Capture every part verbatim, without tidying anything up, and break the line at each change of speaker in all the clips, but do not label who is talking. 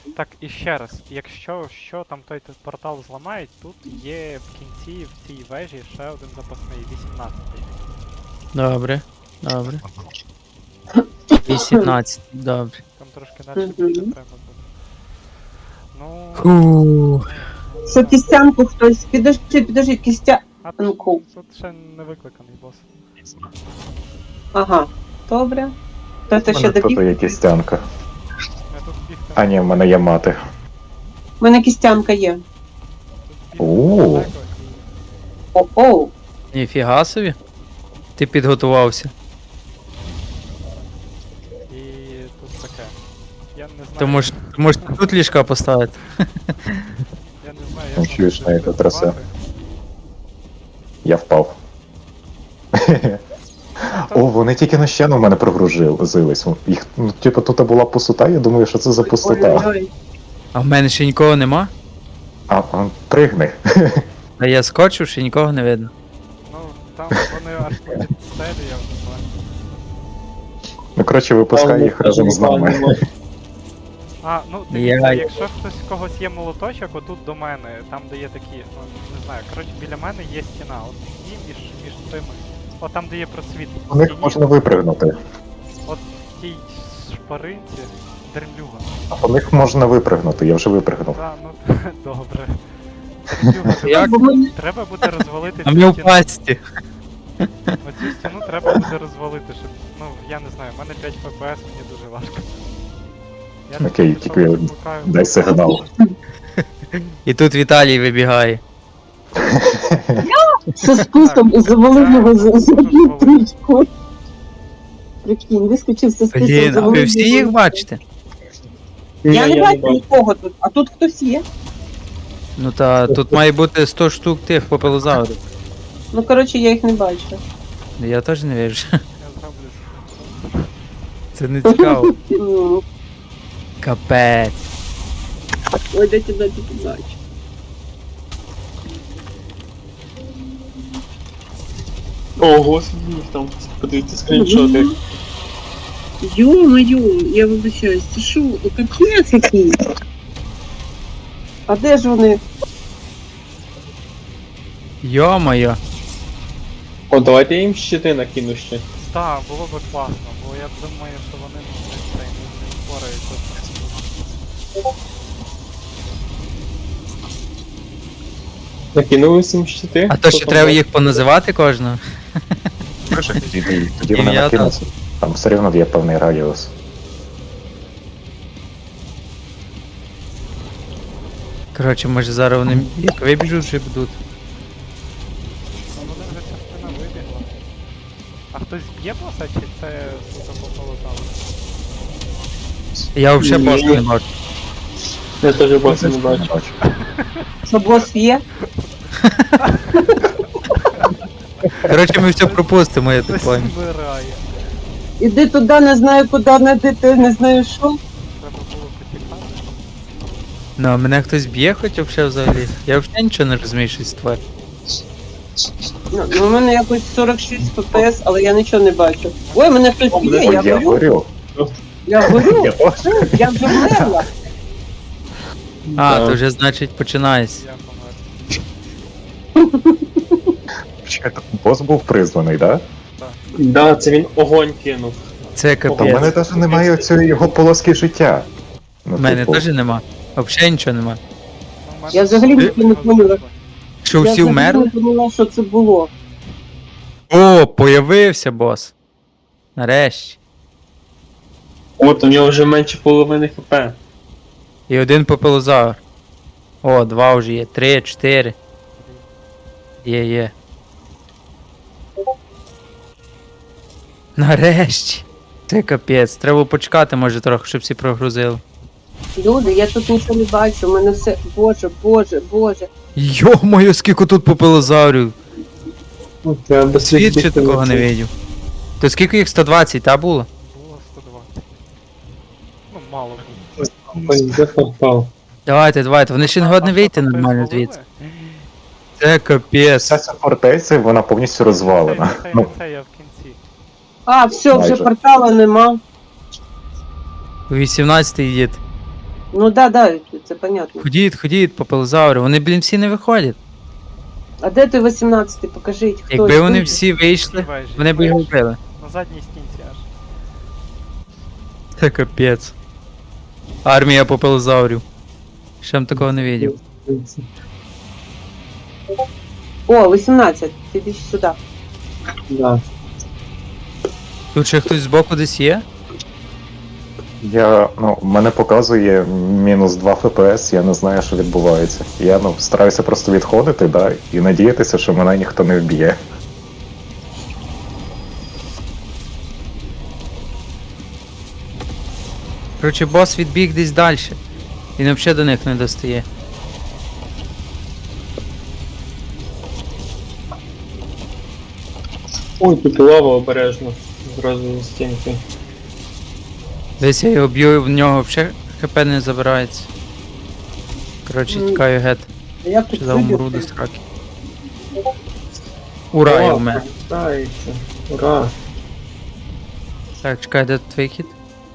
Так, і ще раз, якщо що там той т- портал зламають, тут є в кінці в цій вежі ще один запасний, вісімнадцятий.
Добре, добре. вісімнадцять, добре.
Там трошки далі
Мгм.
більше треба буде. Ну.
Фу.
Що кістянку хтось. Підожди, підожди, кістя.
А
ну,
тут,
кул.
тут ще не викликаний бос.
Ага. Добре. То це
У
ще
мене тут
добіг.
є кістянка.
Я тут бігти.
А ні, в мене є мати.
У мене кістянка є.
Тут бігти
О.
далеко
О-оу.
Ніфіга собі. Ти підготувався.
і, і тут таке. Я не знаю.
Ти можеш, ти можеш тут ліжка поставити.
Я не знаю,
Ну,
як
чуєш,
нам
на це трасе.
працювати.
Я впав.
А,
О, вони тільки на щену в мене прогрузились. Їх, ну, типу, тут була пустота, я думаю, що це за пустота.
Ой-ой-ой.
А в мене ще нікого нема.
А, а пригни.
А я скочив, ще нікого не видно.
Ну, там вони аж під стелі, я вже знаю.
Ну, коротше, випускай їх разом з нами.
А, ну
Я-
дивіться, якщо хтось в когось є молоточок, отут до мене, там де є такі, ну не знаю, коротше біля мене є стіна, от і між, між цими. От там де є просвіт.
У них
стіні,
можна випригнути.
От в тій шпаринці дремлюга.
У них можна випригнути, я вже випригнув.
Та, ну добре. Дремлюга,
Як?
Бо мені-
треба буде розвалити
А
цю
ми в
стіну.
пасті.
Оцю стіну треба буде розвалити, щоб, ну я не знаю, в мене п'ять еф пі ес, мені дуже важко. Я
Окей,
тут
тільки
викликаю-
дай сигнал.
І тут Віталій вибігає.
Що з кустом
Так,
завалив його за
так,
за
дуже ж
трічку. Прикинь, вискочив з кустом,
Блін, а ви
завалив
всі
його.
їх бачите?
Я не бачу нікого тут, а тут хтось є.
Ну та тут має бути сто штук тих попелозаврів.
Ну, коротше, я їх не бачу.
Я теж не вірю.
Я зроблю.
Це не цікаво.
М,
Капець.
Ой, де тебе тільки бачу.
О, господи, їх там подивіться скріншоти.
Ё-моё, я вибачаюсь, це що, капець який? А де ж вони?
Йо-моє.
О, давайте я їм щити накину ще.
Так, було би класно, бо я думаю, що вони ну, не, цей, не, не впораються.
Накинули всім щити.
А то
Хто
ще
там
треба
був?
їх поназивати кожного.
Тоді, тоді вони
Ім'я
накинуться. Там все рівно є певний радіус.
Коротше, може зараз вони як вибіжуть, вже будуть.
Ну вони вже частина вибігла. А хтось б'є боса, чи це сука пополотало?
Я взагалі
Ні.
боса не бачу.
Я теж боса не бачу.
Що бос є?
Коротше, ми все пропустимо, я так
Хтось
понял.
вмирає.
Іди туди, не знаю куди, не йти, не знаю що.
Треба було потікати.
Ну, а мене хтось б'є хоч взагалі взагалі. Я взагалі нічого не розумію, що це тварь.
Ну, у мене якось сорок шість еф пі ес, але я нічого не бачу. Ой, мене хтось б'є,
Ой,
я
я
горю,
горю.
я горю,
Я теж.
я вже вмерла.
А,
Да.
то вже значить починається.
Я помер.
Чекайте, бос був призваний, так?
Да, це він огонь кинув.
Це
Да? Та в мене
капець.
навіть немає цієї його полоски життя. Ну,
У мене
типу,
теж нема. Взагалі нічого нема.
Ну, в мене
Я взагалі
всі
нічого не поняла.
Що
Я
всі
взагалі
вмерли?
не поняла, що це було.
О, появився бос. Нарешті.
От, у нього вже менше половини хп.
І один попелозавр. О, два вже є. Три, чотири. Є, є. Нарешті. Це капець. Треба почекати, може, трохи, щоб всі прогрузили.
Люди, я тут нічого не бачу, у мене все. Боже, боже, боже.
Йо-моє, скільки тут попелозаврів.
Треба без
Світ ще такого не видів. То скільки їх? сто двадцять, та було?
Було сто двадцять. Ну, мало було.
Ой, де попав?
Давайте, давайте, вони ще не годні вийти
Тобто
нормально
звалили?
звідси. Це капець.
Вся ця фортеця, вона повністю розвалена.
Це, це,
Ну,
це я в кінці.
А, все, вже
Майже.
портала нема.
вісімнадцятий дід.
Ну да, да, це понятно.
Ходіть, ходіть, попелозаври. Вони, блін, всі не виходять.
А де той вісімнадцятий? Покажіть, хто.
Якби вони
хто?
всі вийшли,
Всі вежі,
вони б його
вежі.
вбили.
На задній стінці аж.
Це капець. Армія попелозаврів. Ще б такого не видів.
О, вісімнадцять. Ти йди сюди.
Да.
Тут ще хтось збоку десь є?
Я, ну, мене показує мінус два еф пі ес, я не знаю, що відбувається. Я ну, стараюся просто відходити, да, і надіятися, що мене ніхто не вб'є.
Коротше, бос відбіг десь далі. Він взагалі до них не достає.
Ой, тут лава обережно. Зразу на стінки.
Десь я його б'ю, в нього взагалі хп не забирається. Коротше,
Ну,
тікаю гет.
А як тут
Чи за умру до
люди?
сраки. Ура, я вмер.
Повертається. Ура.
Так, чекай, де тут вихід?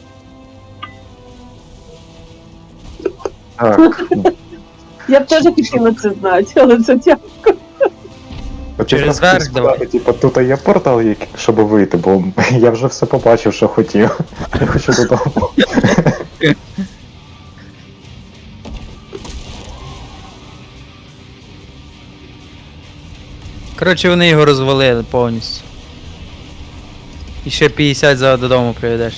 Так,
Я б теж хотіла це знати, але це тяжко.
Через верх давай.
Типу, тут є портал, який- щоб вийти, бо я вже все побачив, що хотів. Я хочу додому.
Коротше, вони його розвалили повністю. І ще п'ятдесят за додому приведеш.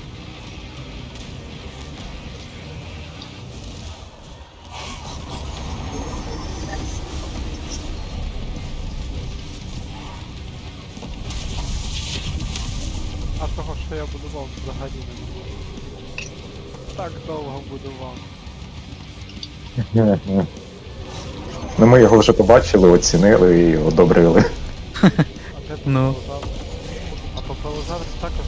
А того, що я будував, взагалі не було. Так довго будував.
Ну, ми його вже побачили, оцінили і одобрили.
А де
Ну.
попелозавр? А попелозавр також.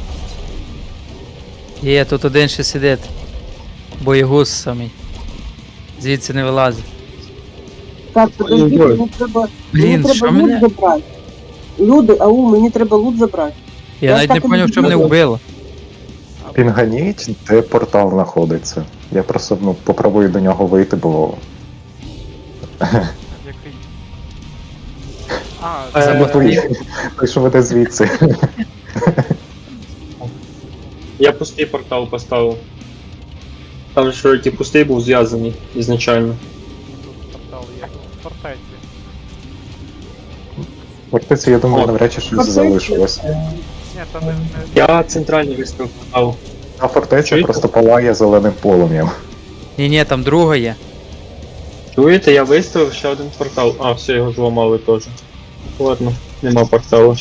Є, тут один ще сидить. Боєгуз самий. Звідси не вилазить.
Так, подожди,
Ой,
мені треба,
Блін,
мені треба
що
лут
мене?
забрати. Люди, ау, мені треба лут забрати.
Я
Я
навіть
так
не
і
поняв,
не
що мене
знала.
вбило.
Пінганіть, де портал знаходиться. Я просто ну, попробую до нього вийти, бо
Який? А,
Е,
це
Бо той, той, що веде звідси.
Я пустий портал поставив. Там що ті пустий був зв'язаний ізначально.
тут портал є. В фортеці.
Фортеці, я думаю,
О.
навряд чи щось
Фортеці?
залишилось.
Ні, то не, не...
Я центральний виставив портал.
А фортеця
Чуєте?
просто палає зеленим полум'ям.
Ні, ні, там друга є.
Чуєте, я виставив ще один портал. А, все, його зламали теж. Ладно, нема порталу.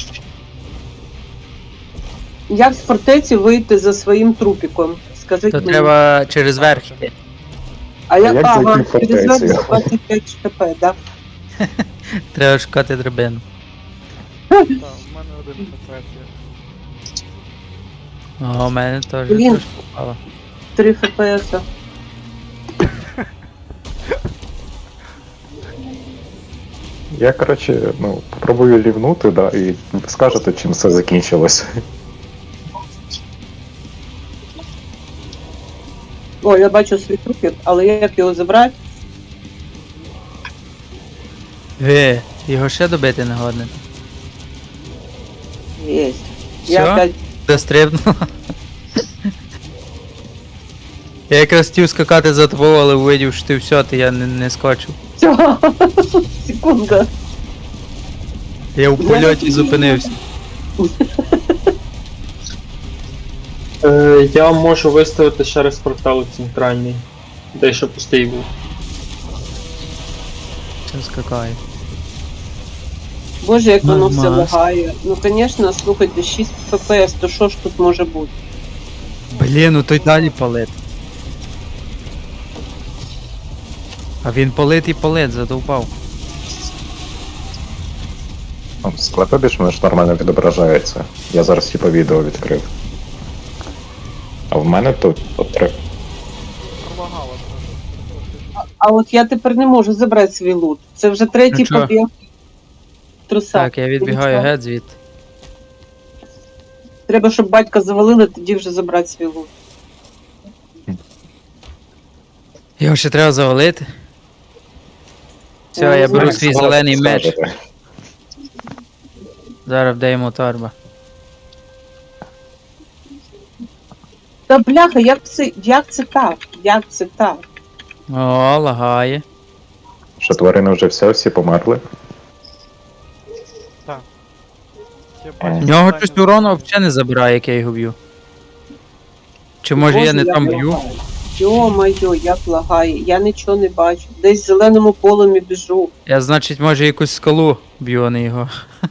Як з фортеці вийти за своїм трупіком? Скажіть
То
мені.
треба через верх йти.
А як,
як
ага,
зайти в
через
фортецю?
двадцять п'ять хп, да?
Треба шукати драбину.
Так, в мене один фортець є.
О, у мене теж
Блін.
трошки попало.
три фпс.
Я, коротше, ну, попробую лівнути, да, і ви скажете, чим все закінчилось.
О, я бачу свій трупік, але як його забрати?
Ге, його ще добити не годне.
Єсть.
Все?
Я опять...
Дострибнуло. Я якраз хотів скакати за тобою, але увидів, що ти все, то я не, не скочив.
Всё. Секунда.
Я в польоті зупинився.
Е, я можу виставити ще раз портал центральний. Де ще пустий був.
Чим скакаю.
Боже, як воно все
Нормас.
лагає. Ну, звісно, слухайте, шість фпс, то що ж тут може бути?
Блін, ну той далі палит. А він палит і палит, задовбав.
Ну, Склепи більш-менш нормально відображається. Я зараз типу відео відкрив. А в мене тут от, три-
Пролагало трохи.
А от я тепер не можу забрати свій лут. Це вже третій
Ну чого?
побіг. Труса.
Так, я відбігаю
Нічого.
геть звідти.
Треба, щоб батька завалили, тоді вже забрати свій лут.
Його ще треба завалити. Все,
Я
я
не
беру
знаю.
свій зелений меч.
Скажете.
Зараз вдаємо торба.
Та бляха, як це, як це так? Як це так?
О, лагає.
Що тварини вже все, всі померли.
Так. Я
Е.
бачу
В нього
питання
щось
за-
урону взагалі не забирає, як я його б'ю. Чи може я не
Боже,
там
як
б'ю?
лагає. Йо-майо, як лагає. Я нічого не бачу. Десь в зеленому полумі біжу.
Я, значить, може якусь скалу б'ю, а не його.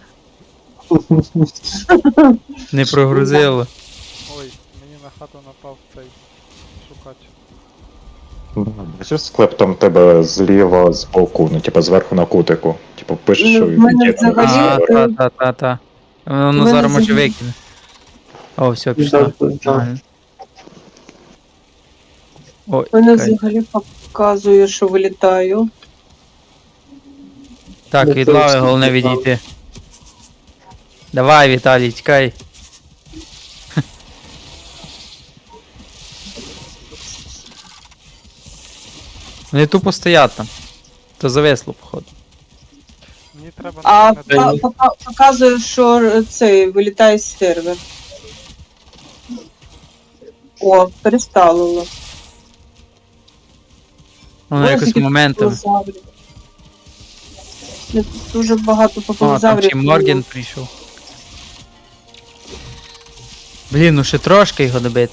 Не прогрузило.
Ой, мені на хату напав цей шукач.
Бачиш склеп там тебе зліва, збоку, ну типа зверху на кутику. Типу пишеш,
Ну,
що
в мене
є там
взагалі-
А,
сервер.
та, та, та, та. Воно
мене
зараз може
взагалі-
викине. О, все, пішло.
Так, так.
Нормально. Ой,
Мене
чекай.
взагалі показує, що вилітаю.
Так,
Не
від
то,
лави
що
головне
ти
відійти. Давай, Віталій, тікай. Вони тупо стоять там. То зависло, походу.
Мені треба
А
на
пока- пока- показує, що цей вилітає з сервер. О, перестало.
Воно
Ой,
якось
скільки
моментом.
попелозаврів. Тут дуже багато
О, там
попелозаврів.
чи Морген прийшов. Блін, ну ще трошки його добити.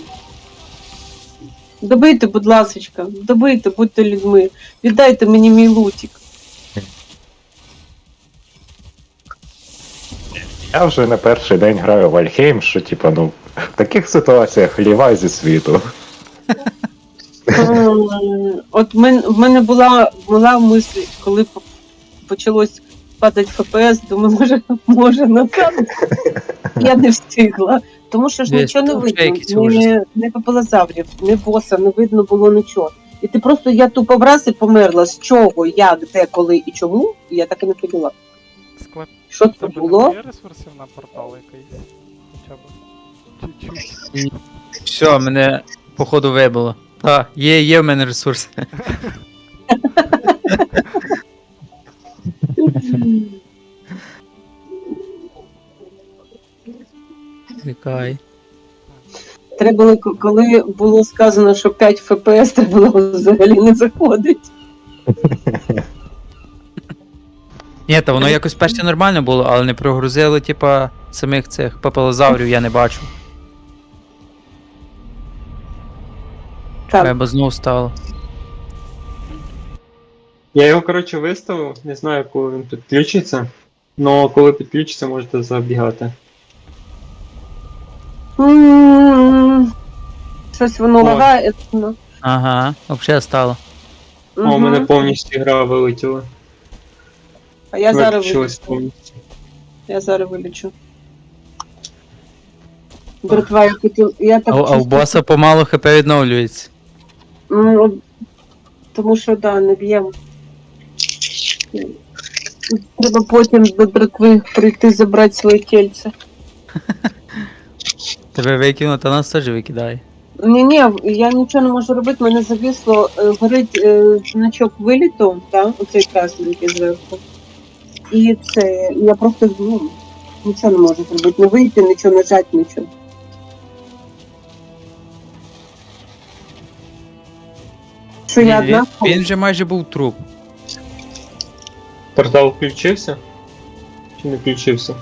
Добийте, будь ласочка, добийте, будьте людьми. Віддайте мені мій лутик.
Я вже не перший день граю в Альхейм, що типа, ну, в таких ситуаціях лівай зі світу.
Ем, От в мен- в мене була, була мисль, коли по- почалось падати еф пі ес, думаю, може, може назад. Я не встигла. Тому що ж
Десь
нічого не
там ще якийсь
видно.
ужас.
Не, не попелозаврів, не боса, не видно було нічого. І ти просто, я тупо враз і померла. З чого, як, де, коли і чому, я так і не поняла.
склеп.
Що це
Тебе не
було?
є ресурсів на портал якийсь? Хоча б. Чуть-чуть.
Все, мене походу вибило. Та, є, є в мене ресурси. Чекай.
Треба було, к- коли було сказано, що п'ять еф пі ес, треба було взагалі не заходить.
Ні, та воно якось перше нормально було, але не прогрузили, типа, самих цих папелозаврів я не бачу.
Так,
Треба знову стало.
Я його, коротше, виставив, не знаю, коли він підключиться. Но коли підключиться, можете забігати.
М, щось воно
Ой.
лагає. ну.
Ага, взагалі стало.
О, у мене
Мгм.
повністю гра вилетіла.
А я зараз
Виключилась
вилічу.
повністю.
Я зараз вилічу. Братва, я хотів. Я
А,
так
а у
чувствую,
боса помалу хп відновлюється.
ну, тому що да, не б'ємо. Треба потім до братви прийти забрати своє тельце.
Тебе викинуть, а нас теж викидає.
Ні, ні, я нічого не можу робити, мене завісло, е, горить е, значок виліту, да, оцей красненький зверху. І це, я просто ну, нічого не можу зробити, не вийти, нічого нажати, нічого. Що я
Він,
одна?
він, він вже майже був труп.
Портал включився? Чи не включився?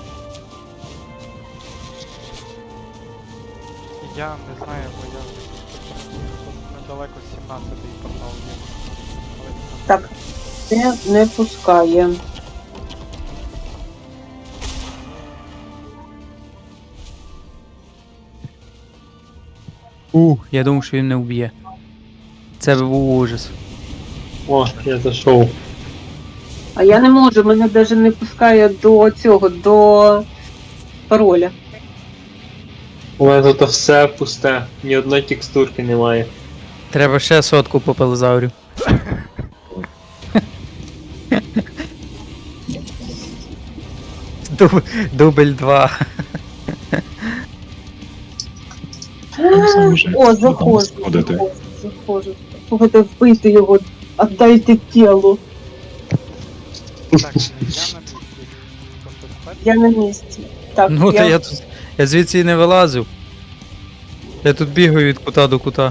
Я не знаю, бо я тут недалеко сімнадцятий портал є. Але там-
Так, це не пускає.
У, я думав, що він не вб'є. Це би був ужас.
О, я зайшов.
А я не можу, мене навіть не пускає до цього, до пароля.
У мене тут все пусте, ні одної текстурки немає.
Треба ще сотку попелозаврів. Дуб, дубль два.
О, заходжу,
Сходити.
заходжу, заходжу. слухайте, вбийте його, віддайте тіло.
Так, я на місці. Просто тепер
Я на місці. Так,
Ну,
я...
та я тут. Я звідси і не вилазив. Я тут бігаю від кута до кута.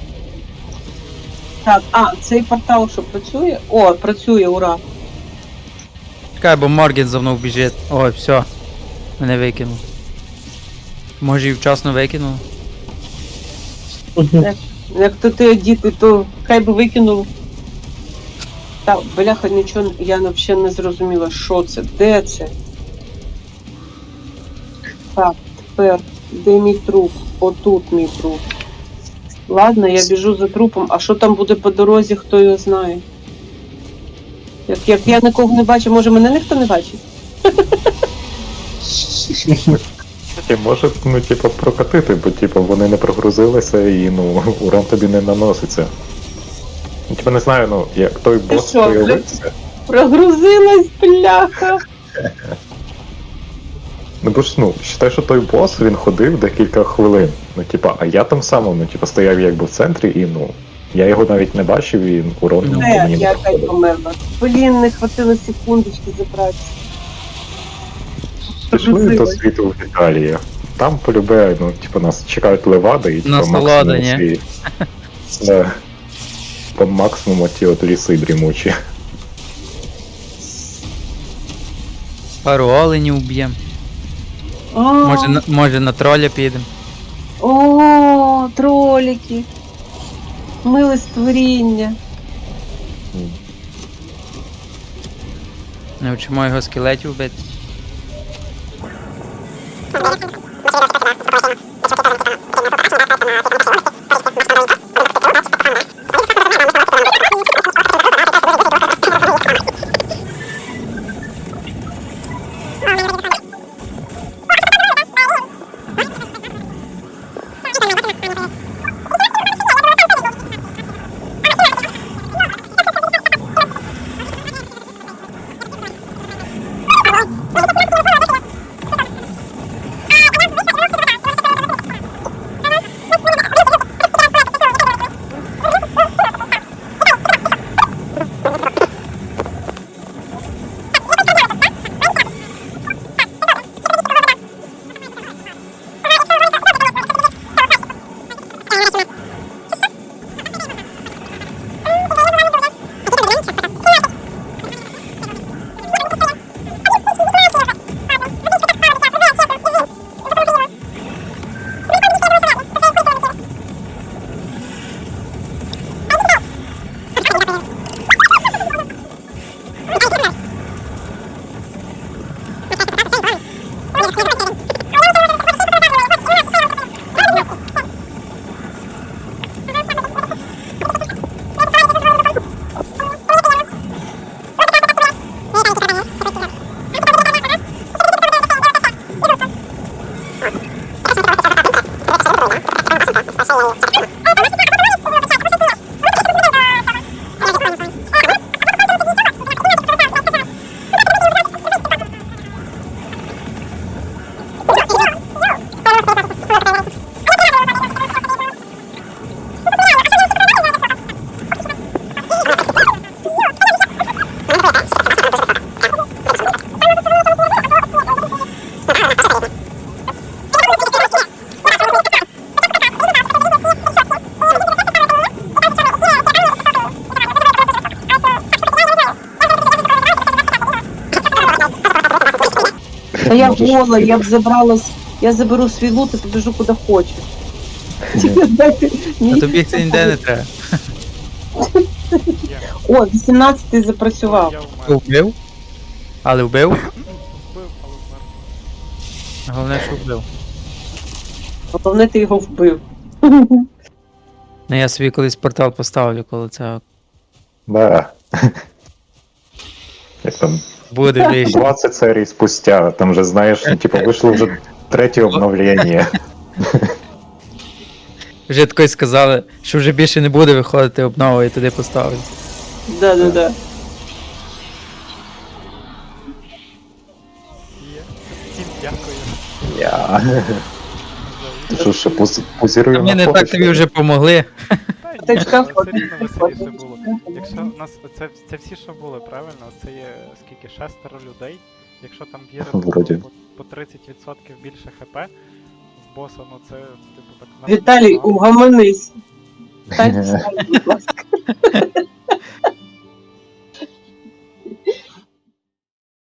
так, а, цей портал що працює? О, працює, ура.
Чекай, бо Морген за мною біжить. Ой, все. Мене викинув. Може і вчасно викинув.
Як то ти діти, то хай би викинув. Так, бляха, нічого, я взагалі не зрозуміла, що це, де це. Так, тепер, де мій труп? Отут мій труп. Ладно, я біжу за трупом, а що там буде по дорозі, хто його знає. Як, як я нікого не бачу, може мене ніхто не бачить?
І може, ну, типу, прокатити, бо типу, вони не прогрузилися і ну, урон тобі не наноситься. Ну, типу, не знаю, ну, як той
Ти
бос
що,
появився.
Прогрузилась, бляха!
Ну бо ж, ну, считай, що той бос, він ходив декілька хвилин. Ну, типа, а я там сам, ну, типа, стояв якби в центрі і, ну, я його навіть не бачив і урон
Ну,
по
Де,
мені не
я опять
проходив.
померла. Блін, не хватило секундочки забрати.
Пішли до
Прогрузилась.
світу в Італії. Там полюбе, ну, типу, нас чекають левади і типу,
Насолода,
максимум
ні?
ці... Да. По максимуму ті от ліси дрімучі.
Пару оленів вб'єм.
А,
Може, на, може на троля підемо.
О, тролики. Миле створіння.
Навчимо його скелетів вбити.
Та я
Можеш
гола, я б
скидати.
забрала, с- я заберу свій лут і побіжу куди хочу. Тільки дайте
А
мені-
тобі це ніде не треба.
є.
О, вісімнадцятий запрацював.
Я вмер.
Вбив? Але вбив?
Вбив, але вмер.
Головне, що вбив.
Головне, ти його вбив.
Ну я собі колись портал поставлю, коли це
Да. Як там
буде ближче.
двадцять серій спустя, там же, знаєш, ну, типу, вийшло вже третє обновлення.
Вже такої сказали, що вже більше не буде виходити обнова і туди поставлю.
Да-да-да.
Є. Всім дякую
Я.
за
Що ще поз- позіруємо
Ми
на
не
фото,
так
що
тобі
ли?
вже помогли.
Та Та ні,
Тачка
але все
ходить,
рівно веселіше було.
ходить.
Якщо у нас це, це всі, що були, правильно? Це є скільки? Шестеро людей. Якщо там вірити
Вроді.
по, по тридцять відсотків більше хп в боса, ну це типу так на-
Віталій,
непогано.
угомонись. Стань, встань, будь ласка.